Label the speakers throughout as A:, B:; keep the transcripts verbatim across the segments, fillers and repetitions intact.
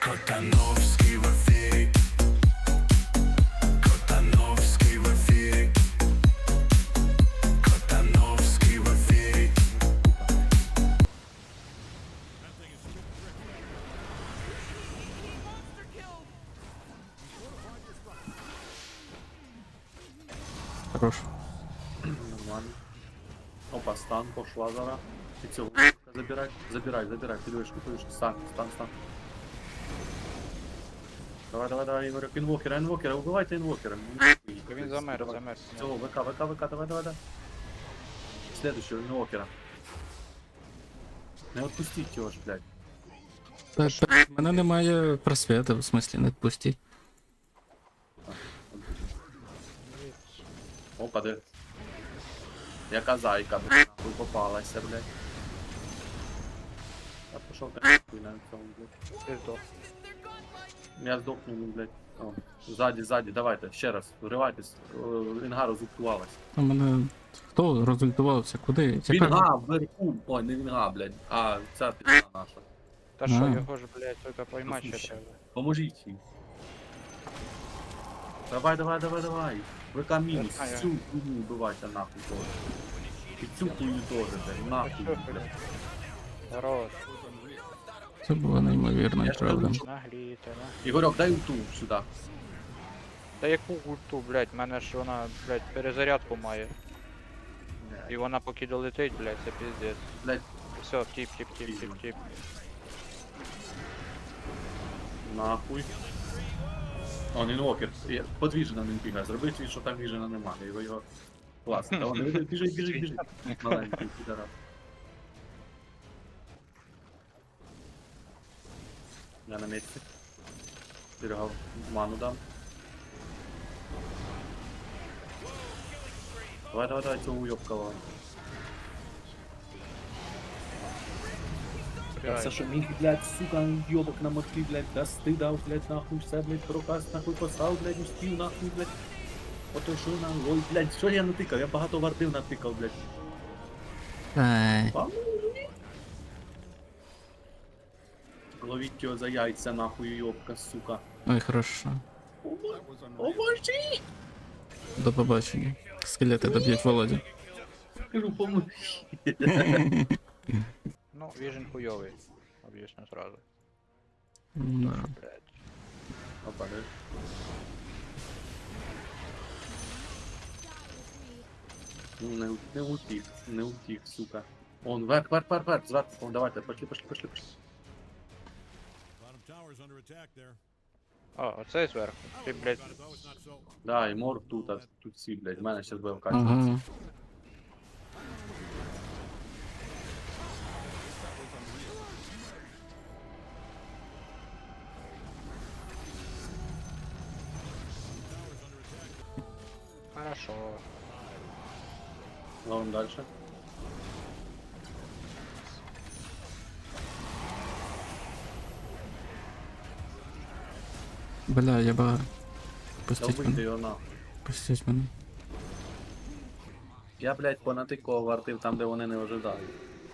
A: Котановський в ефірі. Котановський в ефірі. Котановський в ефірі.
B: Хорош.
C: Нормально. Опа, стан пошла зараз. І цього забирай, забирай, забирай, підвишку, підвишку, стан, стан, стан. Давай, давай, давай, Ігорек, інвокера, інвокера, убивайте інвокера.
D: Він замер,
C: Давай.
D: замер.
C: Цього, ВК, ВК, ВК, давай, давай, давай. Следующего інвокера. Не отпустіть його ж, блядь.
B: Та, та, в мене немає просвіту, в смислі, не відпустіть.
C: Опа, де. Яка зайка, блядь, нахуй попалася, блядь. А пішов ти нахуй на цьому, блядь.
D: Ти здох.
C: Я здохну, ну, блядь. О, ззаді, ззаді, давайте, ще раз, вривайтесь. О, Інга розгуктувалась.
B: У мене. Хто розультувався? Куди? Яка-
C: Вінга вверху! Ой, не Вінга, блядь, а ця пізна наша.
D: Та що,
B: А.
D: його ж, блядь, тільки поймати ще треба.
C: Поможіть їй. Давай, давай, давай, давай. ВК мінус,
D: Я знаю.
C: цю хуйню вбивайте нахуй теж. І цю хуйню теж, блядь, нахуй, блядь.
D: Хорош.
B: Це було неймовірно,
C: Я ж
B: правда.
C: кажу,
D: Нагліте, на.
C: Ігорьок, дай ульту сюди.
D: Та яку ульту, блядь, в мене ж вона, блядь, перезарядку має. І вона поки долетить, блядь, це піздець.
C: Блядь,
D: Все, тіп, тіп, тіп, тіп, тіп.
C: нахуй. Он інвокер. Я- Подвіжена він бігає. Зробить він, що там віжена немає. Його його. Класно. Та он біжить, біжить, біжить, біжить. Маленький підарас. Я на місці. Берегав ману дам. Давай, давай, давай, цього уйобкала. Я все, що міг, блядь, сука, йобок на мотки, блядь, да стидав, блядь, нахуй, все, блядь, проказ, нахуй, постав, блядь, успів, нахуй, блядь. Ото що на, ой, блядь, що я натикав? Я багато вардив натикав, блядь.
B: Ай.
C: Ловіть його за яйця, нахуй, йобка, сука.
B: Ой, хорошо.
C: О, боже!
B: До побачення. Скелети доб'ють Володю.
C: Кажу, поможи.
D: Ну, віжен хуйовий. Об'ясню сразу.
B: Да.
D: Блядь.
C: Опа, де? Ну, Не, не утік, не утік, сука. Он, вверх, вверх, вверх, вверх, зверху, он, давайте, пошли, пошли, пошли, пошли.
E: Bottom tower's under attack there.
D: А, оцей зверху. Ти, блядь,
E: Though it's not so.
C: Да, і морг тут, а тут всі, блядь, в мене щас буде
B: Ага.
C: вкачуватися.
D: хорошо.
C: Ловим дальше.
B: Бля, я ба.
C: Та
B: Пустіть
C: вийди
B: мене.
C: його нахуй.
B: Пустіть мене.
C: Я, блядь, понатикував вартив там, де вони не ожидають.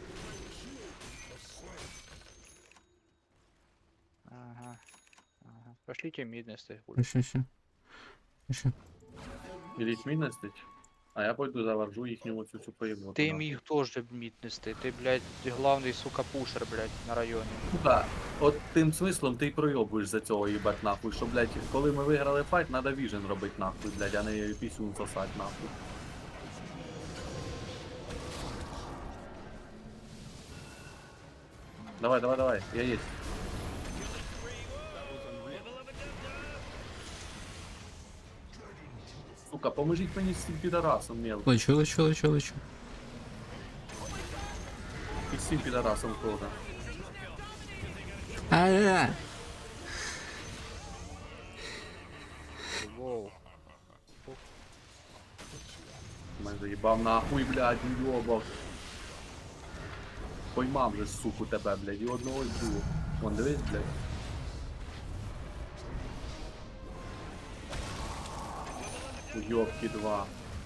D: Ага. Ага. Пошлите мид нести.
B: Ще, ще. Ще.
C: Іліть мій нестить, а я пойду заваржу їхню оцю цю поїбну.
D: Ти міг теж мід нести. Ти, блядь, главний, сука, пушер, блядь, на районі.
C: Да. От тим смислом ти й пройобуєш за цього їбать нахуй, що, блядь, коли ми виграли файт, надо віжен робити нахуй, блядь, а не пісюн сосать нахуй. Давай, давай, давай, я есть. Сука, поможіть мені з цим підарасом, мел.
B: Лечу, лечу, лечу, лечу.
C: І з цим підарасом тоже.
B: А-а-а.
D: Воу.
C: Мене заїбав нахуй, блядь, уйобав. Поймав же, суку, тебе, блядь, і одного, і другого. Вон, дивись, блядь. Уйобки два.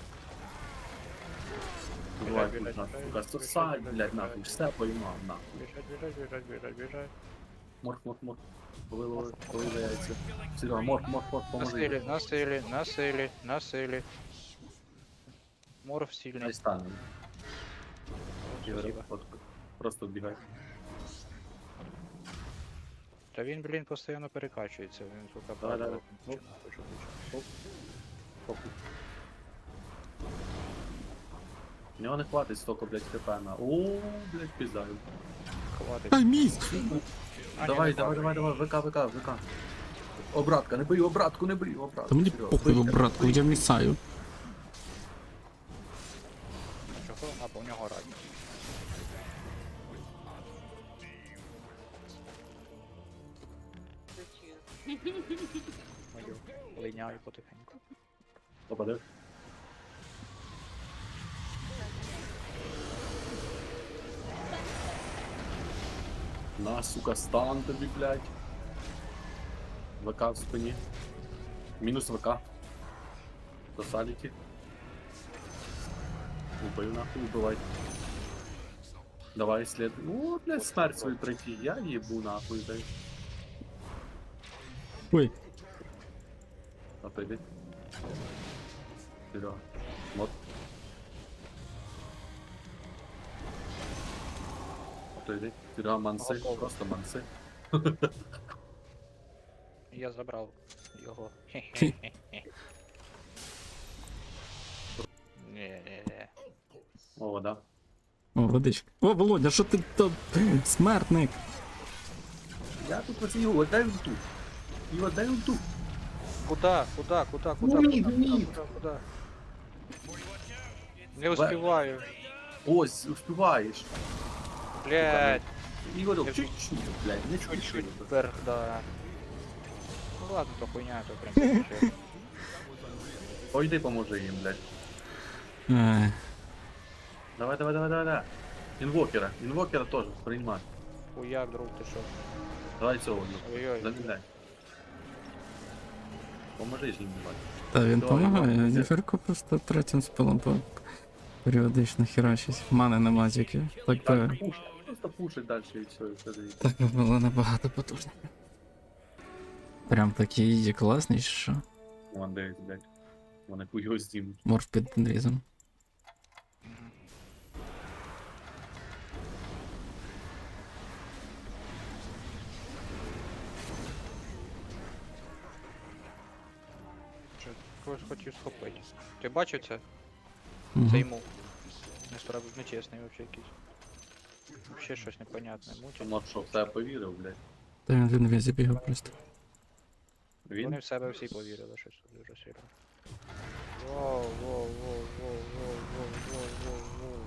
C: Давай,
D: Біжать,
C: тут,
D: біжать,
C: сука,
D: біжать,
C: сосать,
D: біжать,
C: блядь,
D: біжать.
C: нахуй, все поймав, нахуй.
D: Біжать, біжать, біжать, біжать, біжать.
C: Морф, морф, морф. Повило, повиляється. Серега, морф, морф, морф,
D: На
C: поможи.
D: силі, на силі, на силі, на силі. Морф сильний.
C: Дай станемо. Ігор,
D: Спасибо.
C: от, просто вбігай.
D: Та він, блін, постійно перекачується, він сука
C: Давай, давай.
D: падає.
C: Оп. Оп. Оп. У нього не хватить столько, блядь, хп на. О, блядь, піздаю.
D: Хватить.
B: Ай, міс!
D: А, ні,
C: Давай,
D: не
C: давай,
D: хватить.
C: давай, давай, ВК, ВК, ВК. Обратка, не бий, обратку, не бий, обратку.
B: Та мені
C: Серега,
B: похуй,
C: бийте,
B: братку,
C: бийте.
B: я місаю.
D: Чого? А, бо в нього раді. Мою линяю потихеньку.
C: Попаде. На, сука, стан тобі, блядь. ВК в спині. Мінус ВК. До саліки. Убив нахуй, убивай. Давай слід. О, блядь, смерть свою пройти. Я їбу нахуй, дай.
B: Ой,
C: Отойди. Серега. Вот. Отойди. Серега, манси.
D: Готово.
C: Просто манси.
D: Я забрав його. Ні-ні-ні.
C: О, да.
B: о, водичка. О, Володя, що ти там? Смертник.
C: Я тут вас його, дай в ту. Його дай в ту.
D: Куда? Куда? Куда? Куда?
C: Ну,
D: Куда?
C: ні,
D: Куда?
C: ні.
D: Куда? Куда? Не успіваю.
C: Ось, успіваєш.
D: Блять,
C: Ігорю,
D: Я
C: чуть-чуть, блядь, не
D: чуть-чуть
C: чуть-чуть.
D: вверх, да. Ну ладно, то хуйня, то в принципі.
C: Пойди поможи їм, блядь.
B: Ай,
C: Давай, давай, давай, давай, давай. Інвокера, інвокера теж, приймай.
D: Хуяк, друг, ти що?
C: Давай цього, ну,
D: Ой-ой.
C: заміняй. Поможи ж їм, блядь.
B: та він
C: Давай,
B: допомагає,
C: давай.
B: Ніферко просто третім спилом по періодично херачить. Мани нема тільки. Так би,
C: Так, пуш, просто пушить далі і все, і все дивіться.
B: так би було набагато потужніше. Прям такі є класні, що
C: Вон дивись, блядь. Вони хуйо знімуть.
B: морф під інрізом.
D: Що, когось хотів схопити. Ти бачив це?
B: Мгм.
D: Це йому. Несправ... Нечесний вообще якийсь. Вообще щось непонятне. Мутять.
C: Тому що в тебе повірив, блядь.
B: Та він в інвізі бігав просто.
D: Вони
C: Він?
D: в себе всі повірили, щось тут дуже сильно. Воу, воу, воу, воу, воу, воу, воу, воу, воу.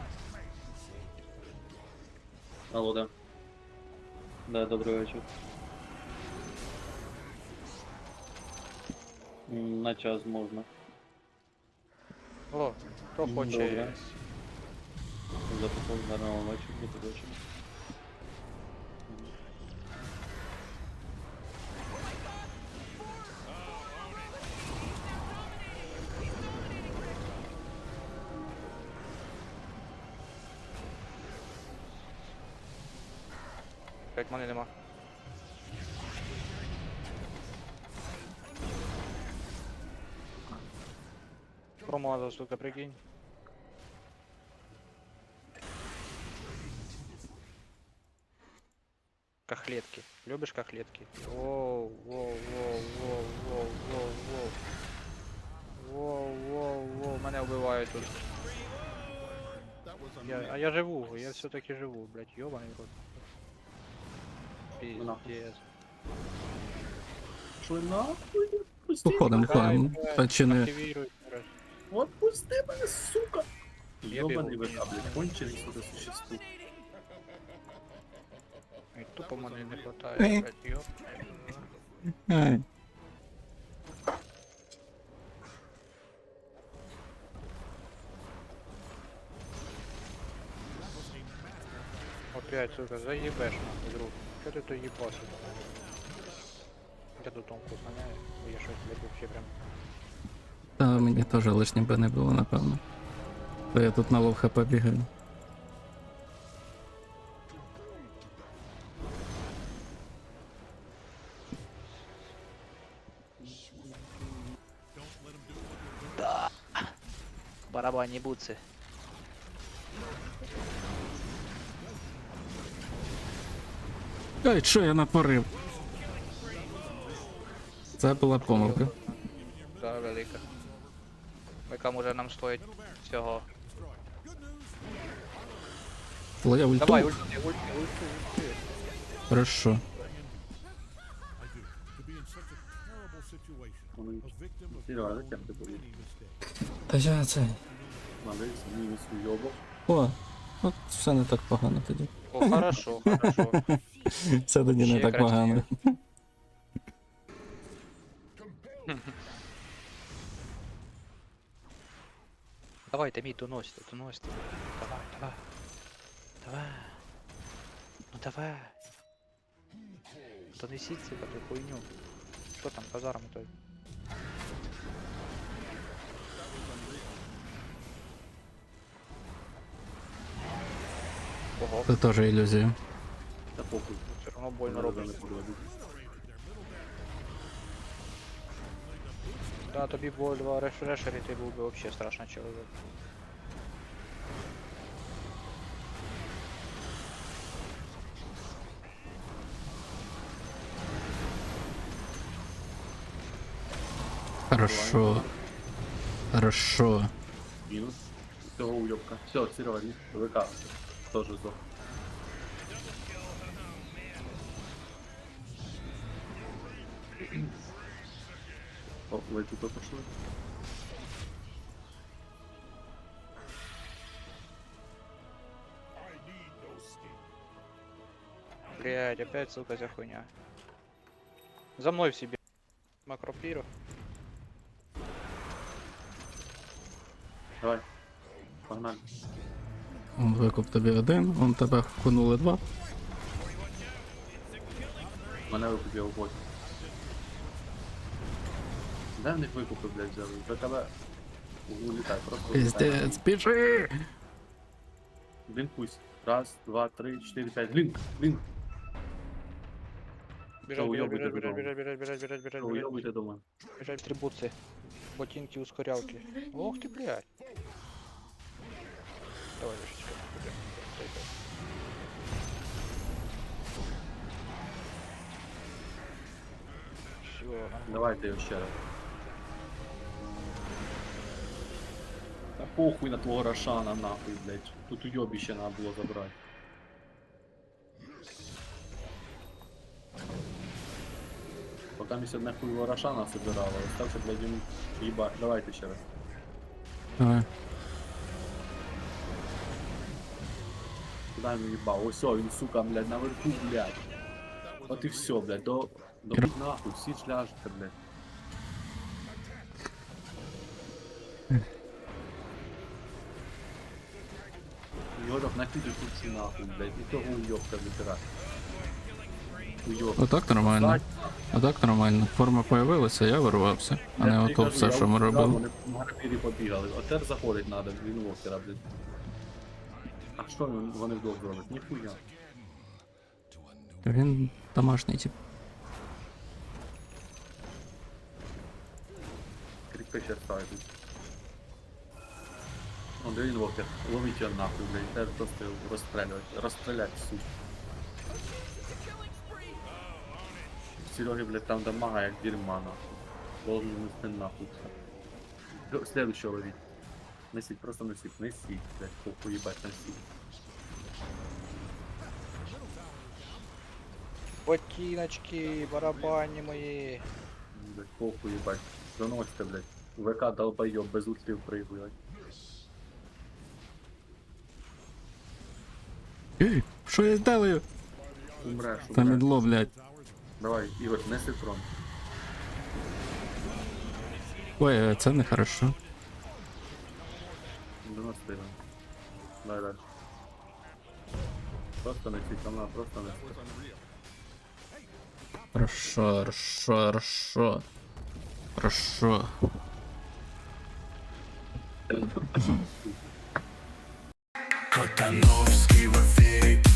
C: Алло, да.
F: Да, добрий вечір. М, На час можна.
D: О, хто
F: М,
D: хоче.
F: добре. Записав гарного вечора, до побачення.
D: П'ять мене нема. Промазав, сука, прикинь. Кахлетки. Любишь кахлетки? Воу, воу, воу, воу, воу, воу, воу. Воу, воу, воу, мене вбивають тут. Я, а я живу, я все-таки живу, блядь, ёбаный рот. Пиздец.
C: Що нахуй? Пусти
B: Походом,
C: мене.
B: походом.
D: Давай,
B: Та чи не.
D: Активируй раз.
C: Отпусти мене, сука!
D: Я
C: Ёбаний
D: бігу.
C: ВК, блядь, кончений, сука, существует.
D: Ай, тупо мене не
B: Е.
D: хватает, блядь, ёб.
B: Ай.
D: Опять, сука, заебешь нахуй, друг. Что ты то ебашишь? Я тут тонку знаняю, я щось, блядь, вообще прям...
B: Та мені теж лишнім би не було, напевно. Бо я тут на лов хп бігаю.
D: Барабанні буци.
B: Ай, що я натворив? Це була помилка.
D: Да, велика. Яка може нам стоїть всього.
B: Твоя ульту?
D: Давай, ульти, ульти, ульти, ульти.
B: Хорошо.
E: I do. To be in such a terrible situation,
F: Вони
E: a victim of
F: Серега, зачем ти будеш?
E: many mistakes.
B: Та я це.
F: Малий, мінус уйобок.
B: О, от все не так погано тоді.
D: О, хорошо, хорошо.
B: Все тоді не
D: Ще
B: так
D: краще.
B: погано.
D: Давайте, мій, доносьте, доносьте. Давай, давай. Давай. Ну давай. Донесіть себе ту хуйню. Що там, казарм той? Ого,
B: Це теж ілюзія.
F: Та похуй.
D: все одно больно
F: Вони
D: робить.
F: не подведуть.
D: Да, тобі було два рефрешери, ти був би вообще страшно чоловік.
B: Хорошо. Хорошо.
F: Мінус. Цього уйобка. Все, Серега, ні. ВК. Тоже здох. О, ви тут пошли.
D: Блять, опять, сука, за хуйня. За мной в себе. Макропиру.
F: Давай. Погнали.
B: Он викуп тобі один, он тебе вкунули два.
F: Мене викупив бот. Де в них викупи, блядь, взяли? До тебе улітай, просто улітай.
B: Пиздец, біжи!
F: Блін, пусть. Раз, два, три, чотири, п'ять. Лінк, лінк.
D: Бежать, бежать,
F: уёбывай
D: бежать,
F: ты
D: бежать,
F: дома.
D: бежать, бежать, бежать, бежать, бежать,
F: Уйобуйте дома.
D: бежать, трибуцы. Ботинки, ускорялки. Ох ты, блядь. Давай, Лешечка, пойдем. Все,
F: Давайте його ще раз. Та похуй на твого Рошана, нахуй, блядь. Тут уйобище надо було забрати. Поки ми сьогодні хуйого Рошана собирали, остався, блядь, йому їбать. Давайте ще раз.
B: Давай.
F: Куда йому їбав? Ось, о, він, сука, блядь, наверху, блядь. От і все, блядь, до... До будь нахуй, всі ж ляжете, блядь. Йодок накидай тут всі нахуй, блядь, і того уйобка вибирай. Уйобок.
B: Отак нормально.
F: Знать,
B: Отак нормально. Форма появилася, я вирвався. А не
F: я
B: ото
F: кажу,
B: все,
F: я
B: що ми
F: убігав,
B: робили.
F: Вони в гарпірі побігали. Отер заходить надо, він вокера, блядь. А що вони вони вдвох зроблять? Ніхуя.
B: Він домашній тип.
F: Кріпка ще ставить. Он де він вокер. Ловить його нахуй, блядь. Тепер просто його розстрілювати. Розстріляти, суть. Сереги, блядь, там дамага як дерьма, нахуй. Должен нести нахуй все. Д- Следующего ловить. Несить, просто несить, несить, блядь, похуй ебать, несить.
D: ботиночки, барабани мои.
F: Блядь, похуй ебать. Заносите, блядь. ВК долбоёб, без ультрів прыгує.
B: Ей, що я зделаю?
F: Умреш,
B: Та
F: умреш.
B: мідло, блядь.
F: Давай, Ігор, неси трон.
B: Ой, це не хорошо.
F: дев'яносто його. Давай далі. Просто неси, камна, просто неси.
B: Хорошо, хорошо, хорошо. Хорошо.
A: Котановський в ефірі.